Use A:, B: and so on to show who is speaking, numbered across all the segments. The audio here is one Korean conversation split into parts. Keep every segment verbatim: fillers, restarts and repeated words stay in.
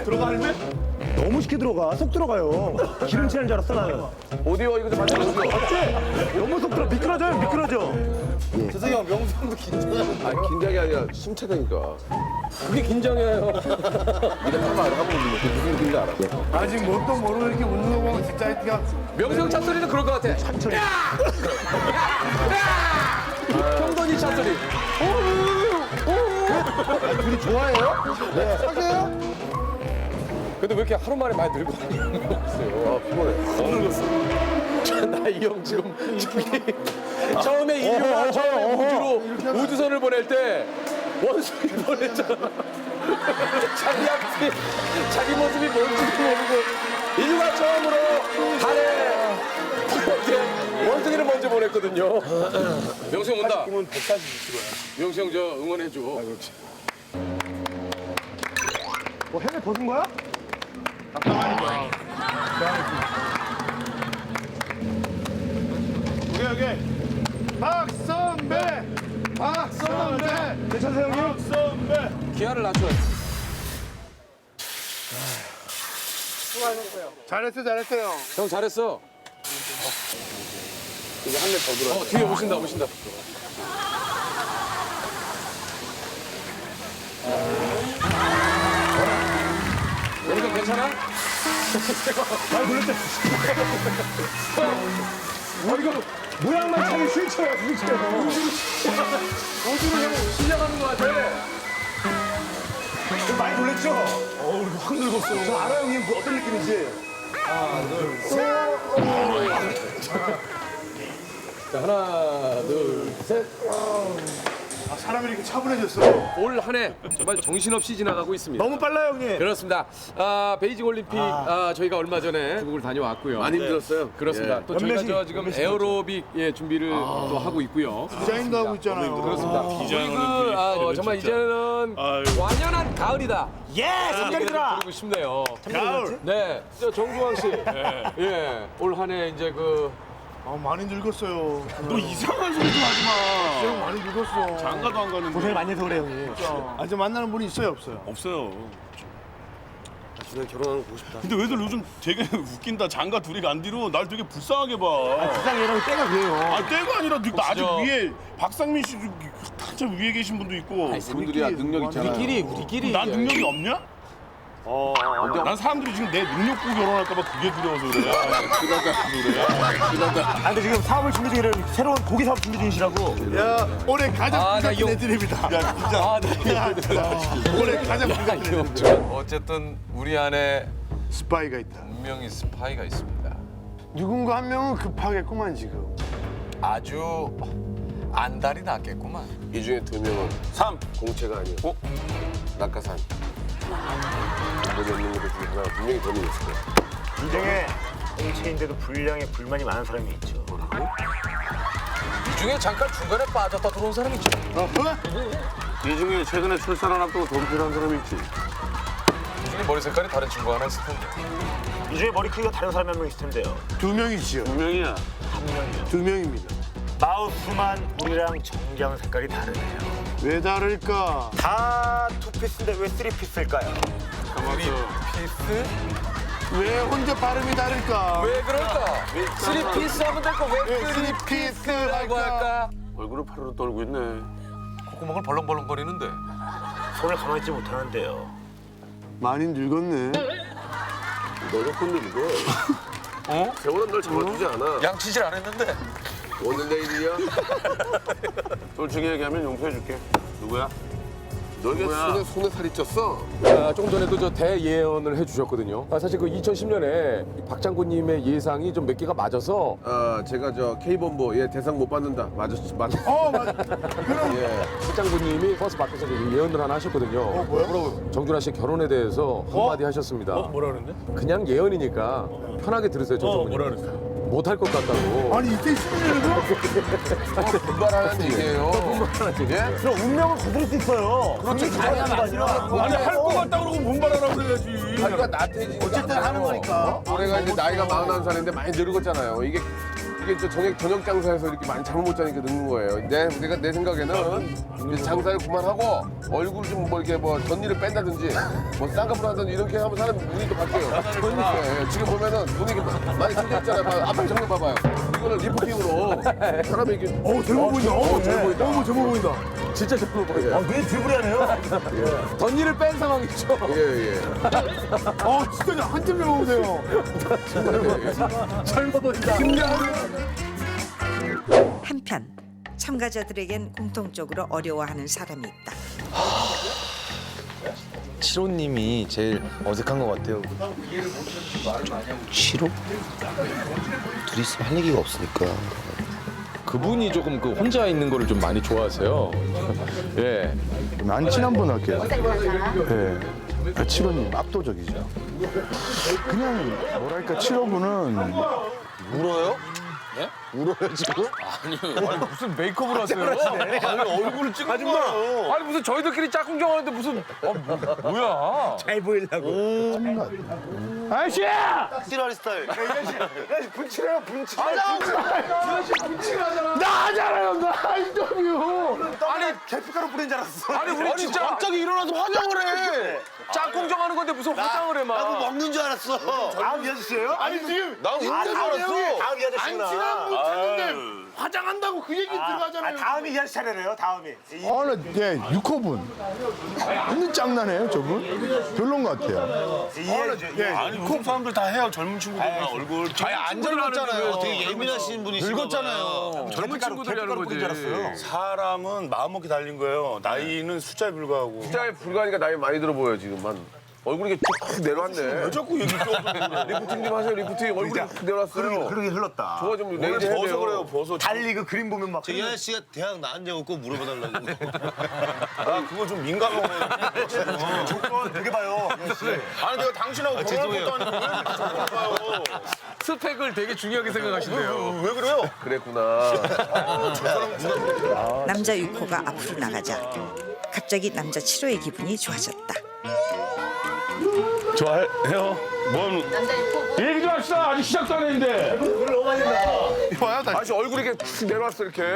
A: 들어가 할매? 너무 쉽게 들어가. 속 들어가요. 기름칠하는 줄 알았어 나는.
B: 오디오 이거 좀 만들어주세요.
A: 맞지? 너무 속 들어. 미끄러져요. 미끄러져.
C: 재석이 형, 명수 형도 긴장하는
B: 아니 긴장이 아니라 숨차다니까.
C: 그게 긴장이에요.
B: 네가 한번 알아 한번 울리면 그게 무슨 느낌인지 알아.
D: 아직 뭣도 모르고 이렇게 웃는 거 보면 진짜 하여튼
C: 명수 형 찻소리는 그럴 것 같아.
A: 천천히.
C: 형돈이 찻소리.
D: 둘이 좋아해요? 네, 사귀어요?
C: 근데 왜 이렇게 하루 만에 많이 늙어?
B: 아 피곤해.
C: 너무 늙었어. 나 이 형 지금 저기 처음에 인류가 처음에 우주로 우주선을 보낼 때 원숭이 보냈잖아. 자기 앞이 자기 모습이 뭔지도 모르고 인류가 처음으로 달에 이제 원숭이를 먼저 보냈거든요. 명수 형 온다. 명수 형 저 응원해 줘.
A: 뭐 해외 벗은 거야?
D: 오케이, 오케이. 박선배! 박선배!
A: 괜찮으세요 형님?
D: 박선배!
C: 기아를 낮춰.
D: 잘했어, 잘했어요.
C: 형 잘했어.
B: 이제 한 대 더 들어.
C: 어 뒤에 오신다 오신다. 여기가 괜찮아?
A: 많이 놀랬대. 어, 이거 모양만 차기 싫죠, 솔직해서.
C: 우주를 형 시작하는 것 같아.
A: 좀 많이 놀랬죠? 어우, 이거 확 늙었어. 저 알아요, 형님. 그 어떤 느낌인지.
C: 자 하나 둘 셋.
D: 아, 사람이 이렇게 차분해졌어.
C: 올 한 해 정말 정신없이 지나가고 있습니다.
A: 너무 빨라요, 형님.
C: 그렇습니다. 아, 베이징 올림픽 아, 저희가 얼마 전에 중국을 다녀왔고요.
B: 많이 힘들었어요.
C: 그렇습니다.
B: 예.
C: 또 저희가
A: 몇몇이-
C: 저 지금 에어로빅 예, 준비를 또 하고 있고요.
D: 디자인도 하고 있잖아요.
C: 그렇습니다. 우리 그, 아, 어, 정말 이제는 완연한 가을이다.
A: 예, 성장이들아.
C: 부르고 싶네요.
D: 가을.
C: 네, 저 정주환 씨. 예, 올 한 해 이제 그
D: 아, 많이 늙었어요.
E: 너 이상한 소리 좀 하지 마.
D: 형 많이 늙었어.
E: 장가도 안 가는데.
A: 고생을 많이 해서 그래, 형님.
D: 아직 만나는 분이 있어요, 없어요?
E: 없어요.
B: 그냥 결혼하는 거 보고 싶다.
E: 근데 왜들 요즘 되게 웃긴다. 장가 둘이 간 뒤로 날 되게 불쌍하게 봐.
A: 세상 얘랑 때가 그래요.
E: 아 때가 아니라 나 아직
C: 저-
E: 위에 박상민 씨 한참 위에 계신 분도 있고.
B: 그분들이야 능력 있잖아.
C: 우리끼리 우리끼리.
E: 난 능력이 없냐?
B: 어.
E: 난 사람들이 지금 내 능력 보고 결혼할까 봐 그게 두려워서 그래.
A: 아, 근데 지금 사업을 준비 중이라 새로운 고기 사업 준비 중이시라고.
D: 야, 올해 가장
C: 아, 나
D: 불같은
C: 이거-
D: 애들입니다. 야, 진짜.
C: 아, 나
D: 올해 가장 불같은 애들.
C: 어쨌든 우리 안에
D: 스파이가 있다.
C: 분명히 스파이가 있습니다.
D: 누군가 한 명은 급하겠구만, 지금.
C: 아주 안달이 났겠구만.
B: 이 중에 두 명은
E: 삼.
B: 공채가 아니야. 어? 낙하산. 이번에 없는 것들 중에 하나 분명히 범인이 있을 거야.
F: 인생에 공채인데도 불량에 불만이 많은 사람이 있죠.
C: 이 중에 잠깐 중간에 빠졌다 들어온 사람이 있죠.
B: 이 중에 최근에 출산을 앞두고 돈 필요한 사람이 있지.
C: 이 중에 머리 색깔이 다른 친구 하나 있을 텐데.
F: 이 중에 머리 크기가 다른 사람이 한 명 있을 텐데요.
D: 두 명이지요.
B: 두 명이야.
F: 한 명이요.
D: 두 명입니다.
F: 마우스만 우리랑 정장 색깔이 다르네요.
D: 왜 다를까?
F: 다 투피스인데 왜 쓰리피스일까요?
C: 피스?
D: 왜 혼자 발음이 다를까?
C: 왜 그럴까? 쓰리 피스 하면 될 거 왜
D: 왜
C: 쓰리
D: 쓰리피스라고
C: 피스라고 할까?
B: 얼굴을 파르르 떨고 있네.
C: 콧구멍을 벌렁벌렁거리는데.
F: 손을 가만히 있지 못하는데요.
D: 많이 늙었네.
B: 너가 콘데 이거. 어? 세월은 널 잡아주지 않아.
C: 양치질 안 했는데.
B: 오늘 내일이야? 솔직히 얘기하면 용서해줄게. 누구야? 너게 손에, 손에 살이 쪘어?
C: 아, 조금 전에도 저 대예언을 해주셨거든요. 아, 사실 그 이천십 년에 박장군님의 예상이 좀 몇 개가 맞아서
B: 아, 제가 저 K본부 얘 대상 못 받는다. 맞았, 맞았어.
D: 어, 맞아. 그럼
B: 예.
C: 박장군님이 버스 밖에서 그 예언을 하나 하셨거든요. 어, 뭐야? 정준하 씨 결혼에 대해서 한마디 하셨습니다.
E: 뭐라 그랬는데?
C: 그냥 예언이니까 편하게 들으세요, 저
E: 어,
C: 정훈님.
E: 뭐라 그랬어?
C: 못할 것 같다고.
D: 아니 이때 십년에도
B: 분발하는 얘기예요. 예?
A: 그럼 운명을 거둘 수 있어요. 그렇지, 다양한 거 아니라.
E: 아니 할 것 같다 그러고 분발하라 그래야지.
B: 그러니까 나태해지니까.
D: 어쨌든 하는 거니까.
B: 올해가 이제 나이가 마흔한 살인데 많이 늙었잖아요. 이게 이게 저 저녁 저녁 장사에서 이렇게 많이 잠을 못 자니까 늙는 거예요. 내 내가 내 생각에는 이제 장사를 그만하고 얼굴 좀 뭐 이렇게 뭐 전일을 뺀다든지 뭐 쌍꺼풀 하든지 이렇게 하면 사람 눈이 또 바뀌어요. 예, 예. 지금 보면은 눈이 많이 처졌잖아요. 봐, 앞에 정면 봐봐요. 이거는 리프팅으로 사람이 이렇게
A: 어우, 젊어 보인다.
B: 어, 젊어 보인다.
A: 어우, 젊어 보인다.
C: 진짜 젊어 보여.
A: 아, 왜 드리블하네요?
C: 덧니를 뺀 상황이죠.
B: 예, 예.
A: 아, 진짜 한점 잡아보세요.
C: 젊어 보인다.
G: 한편 참가자들에겐 공통적으로 어려워하는 사람이 있다.
H: 칠호님이 제일 어색한 것 같아요. 칠호? 둘이 있으면 할 얘기가 없으니까.
C: 그분이 조금 그 혼자 있는 거를 좀 많이 좋아하세요. 예.
D: 안 친한 분 할게요. 네. 아, 칠호님 압도적이죠. 그냥 뭐랄까 칠호분은
H: 울어요?
D: 울어요 지금?
C: 무슨 메이크업을 하세요? 아니 얼굴을 찍은 거예요. 아니 무슨 저희들끼리 짝꿍정 하는데 무슨 어, 뭐, 뭐야?
A: 잘 보이려고.
D: 아저씨!
H: 찌라리 스타일.
A: 분칠해요, 분칠.
D: 나 하잖아요 나 인터뷰!
A: 아니, 계피가루 뿌린 줄 알았어.
C: 아니 우리 진짜
H: 갑자기 일어나서 화장을 해.
C: 짝꿍정 하는 건데 무슨 화장을 해 막.
H: 나도 먹는 줄 알았어.
A: 다음 이 아저씨예요?
D: 아니 지금
H: 나 웃는 줄 알았어.
A: 다음 이
D: 안
A: 아저씨구나.
D: 친한 분 찾는데 화장한다고 그 얘기
A: 아,
D: 들어가잖아요.
A: 다음이 이 아저씨 차례네요, 다음이. 이-
D: 아나 예, 육 호분. 완전 짱나네요 저분. 별론 것 같아요.
A: 이 아저씨. 예.
E: 아니 요즘 사람들 다 해요. 젊은 친구들 다 얼굴.
H: 아니 안 젊었잖아요. 되게 예민하신 분이시잖아요. 늙었잖아요.
C: 젊은 친구들이 하는
A: 뿌린 줄 알았어요.
C: 거지.
E: 사람은 마음먹기 달린 거예요. 나이는 숫자에 불과하고.
B: 숫자에 불과하니까 나이 많이 들어 보여 지금만. 얼굴이 이렇게 쭉 내려왔네.
E: 왜 자꾸 얘기 또
B: 리프팅 좀 하세요 리프팅. 얼굴이 쭉 내려왔어요.
A: 그러게 흘렀다.
B: 저거 좀
E: 오늘
B: 레이저 해야
E: 벗어
B: 돼요.
E: 그래요. 벗어.
A: 달리 그 그림 보면 막.
H: 이 아저씨가 대학 나왔냐고 꼭 물어봐달라고.
E: 나 그거 좀 민감한 거예요.
A: 조건 되게 봐요.
E: 아니 내가 당신하고 결혼할 것도 아니고 왜 이렇게 조건을 봐요.
C: 스펙을 되게 중요하게 생각하시네요.
E: 왜 그래요?
B: 그랬구나.
G: 남자 육 호가 앞으로 나가자 갑자기 남자 칠 호의 기분이 좋아졌다.
E: 좋아해요? 뭔
D: 얘기 좀 합시다. 아직 시작도 안 했는데.
B: 아저씨 얼굴이 이렇게 쭉 내려왔어 이렇게.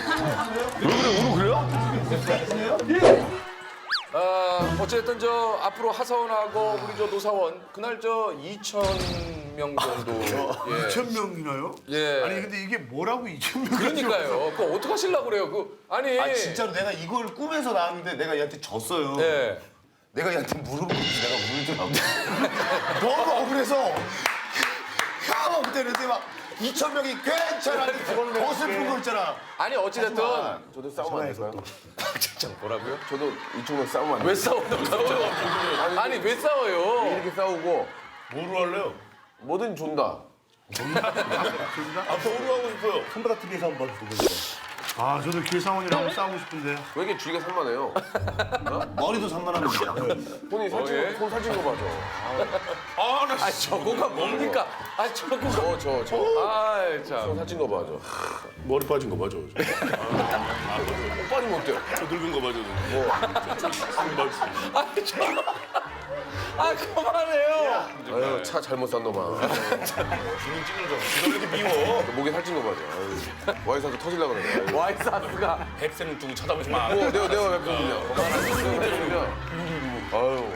C: 아, 어쨌든 저 앞으로 하사원하고 우리 저 노사원 그날 저 이천 명 정도. 예.
D: 이천 명이나요?
C: 예.
D: 아니 근데 이게 뭐라고 이천 명?
C: 그러니까요. 그거 어떻게 하시려고 그래요? 그 아니.
H: 아 진짜로 내가 이걸 꿈에서 나왔는데 내가 얘한테 졌어요.
C: 예.
H: 내가 얘한테 무릎을 꿇고 내가 울더라고.
D: 너무 억울해서
H: 형 그때 막 이천 명이 괜찮아. 더 슬픈 거 있잖아.
C: 아니 어찌됐든
B: 저도 싸우면 안 될까요?
C: 진짜 뭐라고요?
B: 저도 이쪽으로 싸우면 안 돼요.
C: 왜 싸우는 거예요? 아니 왜 싸워요?
B: 이렇게 싸우고
E: 뭐로 할래요?
B: 뭐든 존다.
E: 아 뭐로 하고 싶어요?
A: 손바닥 티비에서 한번 보고 있어요.
D: 아 저도 길상원이랑 한번 싸우고 싶은데.
B: 왜 이렇게 주위가 산만해요?
H: 머리도 산만합니다.
B: 손이 살찐
C: 예?
B: 거, 손 살찐 거 봐줘.
E: 아나
C: 아 저거가 뭡니까? 아 저거.
B: 저, 저, 저.
C: 아이
B: 손
C: 참.
B: 살찐 거 봐줘.
E: 머리 빠진 거 맞아.
B: 못 빠지면 어때요?
E: 저 늙은 거 맞아.
C: 아니 저. 아 그만해요.
B: 아유, 차 잘못 산 놈아.
E: 주민 찌그러져. 왜 이렇게 미워?
B: 목에 살찐 거 봐줘. 아유, 와이사도 터질라 그래.
C: 와이사스가
E: 백세는 두고 쳐다보지 마.
B: 어, 내가, 내가 웹툰이냐. 그만하세요. 아유.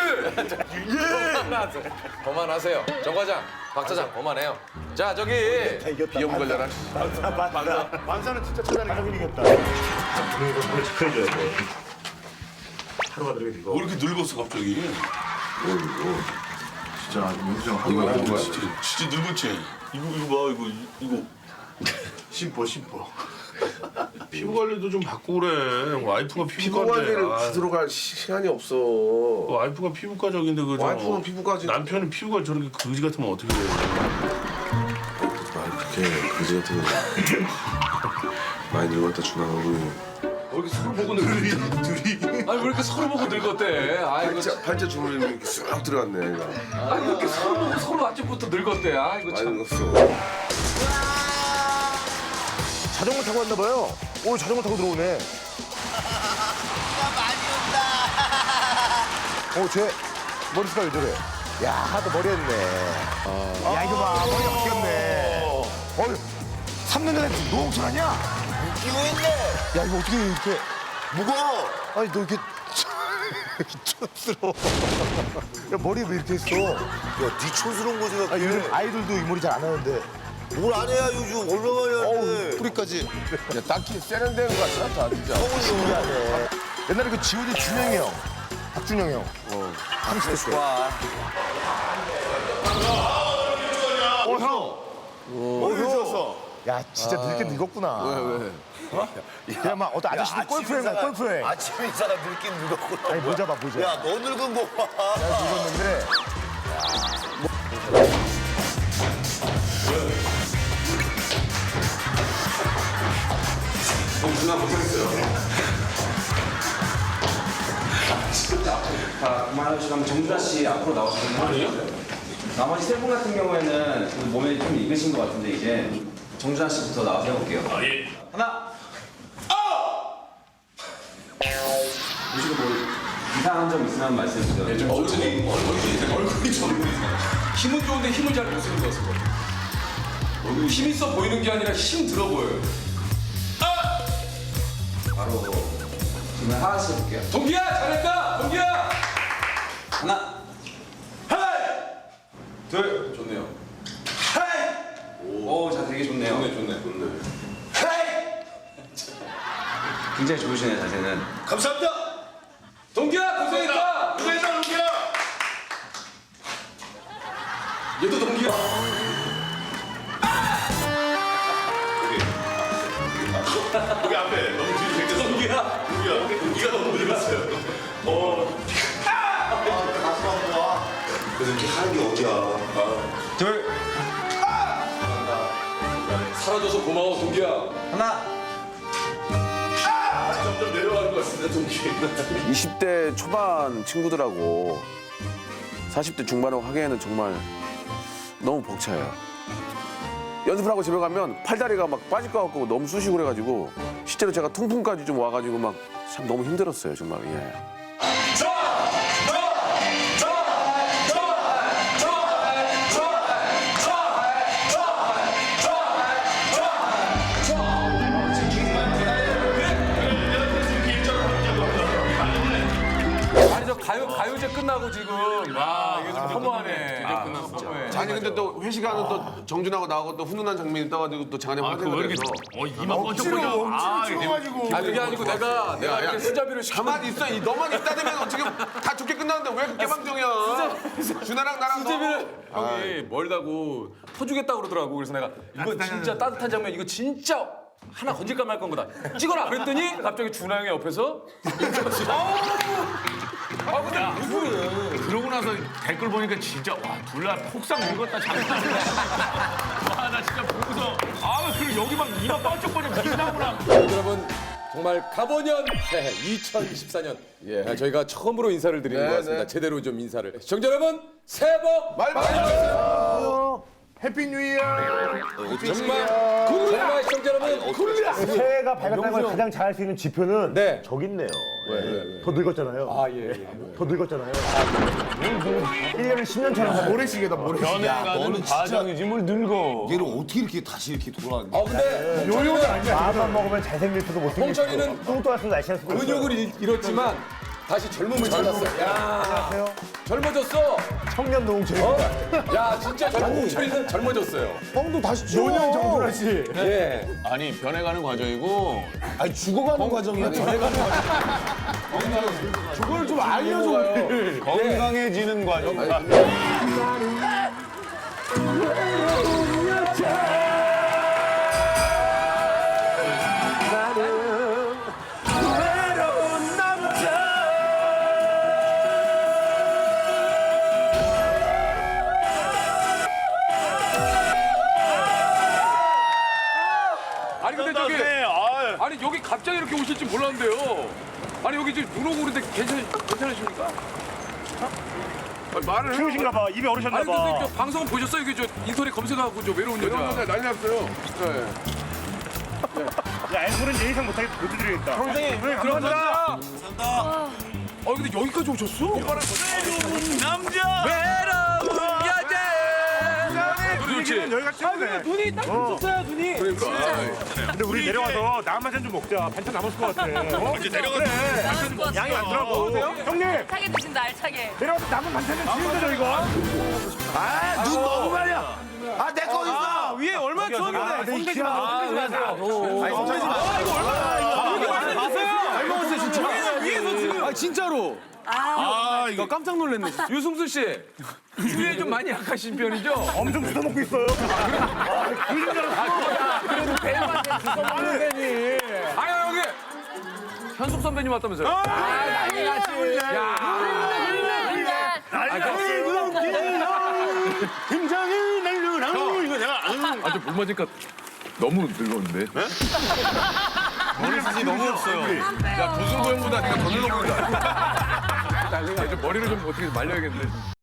C: 그만하세요. 그만하세요. 정 과장, 박 차장 그만해요. 자 저기
B: 비염 걸려라.
A: 맞다.
D: 만사는 진짜 찾아내기
A: 형님 이겼다.
F: 그리고 원래 지켜줘야 돼. 하루가 들게 이거.
E: 왜 이렇게 늙었어 갑자기?
D: 진짜 윤수형
E: 이거
D: 하고
E: 이거 진짜 진짜 늙었지. 이거 이거 봐 이거 이거
D: 심보 심보.
E: 피부 관리도 좀 받고 그래. 와이프가
B: 피부
E: 피부과인데.
B: 관리를
E: 아,
B: 받으러 갈 시간이 없어.
E: 와이프가 피부과적인데 그저
B: 와이프는 피부과지.
E: 남편은 피부가 저렇게 거지 같으면 어떻게 돼?
I: 그렇게 그지 같은 거 많이 늙었다 준하고
C: 왜 이렇게 서로 보고 늙었대? 아니 왜 이렇게 서로 보고 늙었대? 아이고
B: 팔자, 팔자 주머니에 이렇게 쑥 들어갔네. 이거.
C: 아니 왜 이렇게 서로 보고 서로 아침부터 늙었대? 아이고
B: 많이
C: 참.
B: 늙었어.
A: 자전거 타고 왔나 봐요. 오, 자전거 타고 들어오네. 어, 쟤 머리 스타일 왜 저래? 야, 또 머리 했네. 야, 이거 봐. 머리가 바뀌었네. 어,
H: 삼 년 전에 노홍철 아니야? 웃기고 있네. 야 이거 어떻게 이렇게 무거워? 아니 너 이렇게 이렇게 촌스러워. 야 머리 왜 이렇게 했어? 야네 촌스러운 거 생각해.
A: 아, 요즘 아이돌도 이 머리 잘 안 하는데.
H: 뭘 안 해야 요즘 얼마나 하는데. 뿌리까지.
B: 야, 딱히 세련된 것 같아, 다 진짜.
A: 신기하네. 옛날에 그 지오디 준영이 형, 박준영이 형.
B: 어.
A: 삼십 대 때. 어 형. 어 형. 야 진짜 늙게 늙었구나.
B: 왜, 왜?
A: 그냥 막 어떤 아저씨들 골프행 가 골프행.
H: 아침 인사가 늙긴 늙었구나.
A: 아니 모자 봐 모자.
H: 야 너 늙은 거 봐.
A: 야 늙었는데.
J: 자, 그만하시면 정준하 씨 앞으로 나오시면 아니요? 나머지 세 분 같은 경우에는 그 몸에 좀 익으신 것 같은데 이제 정준하 씨부터 나와서 해볼게요. 아 예. 하나. 보시고 뭐 이상한 점 있으면 말씀해 주세요.
C: 네, 좀 얼굴이 얼굴이 얼굴이 좀 힘은 좋은데 힘을 잘 못 쓰는 것 같습니다. 얼굴이 힘 있어 보이는 게 아니라 힘 들어 보여요.
J: 바로 지금 하나씩 해볼게요.
C: 동기야 잘했다. 동기야.
J: 하나.
C: 둘. 좋네요.
J: 오, 자 되게 좋네요.
C: 좋네 좋네 좋네.
J: 굉장히 좋으시네요 자세는.
H: 감사합니다.
C: 동기야 고생했다.
H: 고생했다 동기야.
C: 얘도 동기야.
E: 여기 앞에 너무 뒤로 제꼈어.
C: 동기야.
E: 동기야, 동기가 너무 늙었어요. 어.
H: 가슴 아파. 그래서 이렇게 하는 게 어디야.
C: 둘. 사라져서 고마워 동기야.
J: 하나.
E: 점점 내려가는 것 같습니다, 동기.
B: 이십 대 초반 친구들하고 사십 대 중반하고 하기에는 정말 너무 벅차요. 연습을 하고 집에 가면 팔다리가 막 빠질 것 같고 너무 쑤시고 그래가지고 실제로 제가 통풍까지 좀 와가지고 막 참 너무 힘들었어요, 정말. 예.
C: 아니 저 가요 가요제 끝나고 지금 와 이게 좀 허무하네. 아, 끝났어.
B: 아니 근데 또 회식하는 또 정준하고 나하고 또 훈훈한 장면이 떠가지고 또 장안에 화제가 돼서
E: 어, 이마 번쩍번쩍. 아,
H: 추워가지고.
C: 아 그게 아니고 내가 내가 이렇게 수자비를 시켜.
B: 가만히 있어. 이 너만 있다 되면 어떻게 다 좋게 끝나는데 왜 그렇게 방정이야? 준하랑 나랑
C: 수제비를 형이 멀다고 퍼주겠다 그러더라고. 그래서 내가 이거 진짜 따뜻한 장면 이거 진짜 하나 건질까 말 건 거다. 찍어라. 그랬더니 갑자기 준하 형이 옆에서 아 근데 무슨
E: 그러고 나서 댓글 보니까 진짜 와, 둘다 폭삭 늙었다 장난 아니야. 와, 나 진짜 보고서 아, 그리고 여기 막 이마 번쩍번쩍 빛나구나.
C: 여러분 정말 가보년 새해 이천이십사 년 예, 저희가 처음으로 인사를 드리는
B: 네,
C: 것 같습니다.
B: 네.
C: 제대로 좀 인사를. 시청자 여러분 새해 복
B: 말 많이
C: 받으세요.
A: 해피 뉴 이어.
C: 정말 정말 시청자 여러분 굿입니다.
A: 새해가 밝았다는 걸 가장 잘할 수 있는 지표는
C: 네.
A: 저기 있네요. 예. 더 늙었잖아요.
C: 아 예. 예.
A: 더 늙었잖아요. 일 년을 십 년처럼 하고.
H: 모래시계다 모래시계. 야 너는
E: 과정이지 뭘 늙어.
H: 얘를 어떻게 이렇게 다시 이렇게 돌아왔니?
C: 아 근데
A: 요요가 아니야. 마음만 먹으면 잘생길 수도 못생길
C: 홍철이는
A: 수도. 뚱뚱할 수도 날씬할 수도 있어요.
C: 근육을 잃- 잃었지만 다시 젊음을 찾았어요. 야
A: 안녕하세요.
C: 젊어졌어.
A: 청년 노홍철입니다.
C: 야 진짜 젊은철이는 젊어졌어요.
A: 형도 다시 노년 정준하 씨.
C: 예.
E: 아니, 변해가는 과정이고
H: 아니 죽어가는 과정이야. 전해가는
A: 그걸 좀 알려줘. 우리.
E: 건강해지는 과정.
C: 아니 근데 저기 아니 여기 갑자기 이렇게 오실 줄 몰랐는데요. 아니 여기 지금 눈 오고 그런데 괜찮 괜찮으십니까? 아니, 말을 해요.
E: 추우신가 봐. 입에 얼으셨나
C: 아니 근데
E: 봐.
C: 저 방송 보셨어요? 이게 저 인터넷 검색하고 저 외로운 여자.
B: 이런 난리 났어요. 네.
E: 야, 앵콜은 내 이상 못하게 못 드리겠다.
C: 선생님
E: 감사합니다.
C: 감사합니다. 아 근데 여기까지 오셨어?
E: 남자.
C: 외로운 여자. 노래 좋지?
F: 여기가 최고네.
C: 눈이 딱 붙었어요, 눈이.
F: 근데 우리 내려와서 남한잔 좀 먹자. 반찬 남았을 것 같아. 어? 이제 내려가서 그래. 양이 많더라고. 형님
K: 알차게 드신다, 알차게.
F: 내려와서 남은 반찬 좀 지우자 저희가.
H: 아, 눈 너무 말이야. 아, 내 거 있어.
C: 위에 얼마나 추웠는데.
F: 손대지 마. 손대지 마세요.
C: 아니, 손대지 마. 아, 이거 얼마나. 이렇게 많이 드셨어요? 잘 먹었어요, 진짜. 저희는 위에서 지금. 아, 진짜로. 아, 이거 깜짝 놀랐네. 진짜. 유승수 씨, 위에 좀 많이 약하신 편이죠?
F: 엄청 주워 먹고 있어요. 그런 줄 알았어.
C: 그래도 배우한테 주워먹는 데니. 아유, 여기. 현숙 선배님 왔다면서요? 아, 난리 났지. 야.
F: 김장이 날려랑 이거 내가
C: 아, 저물 맞으니까 너무 늙었는데?
E: 머리숱이 너무 없어요.
C: 야, 조승구 형보다 내가 더 늙어 보인다. 난리가. 좀 머리를 좀 어떻게 말려야겠는데.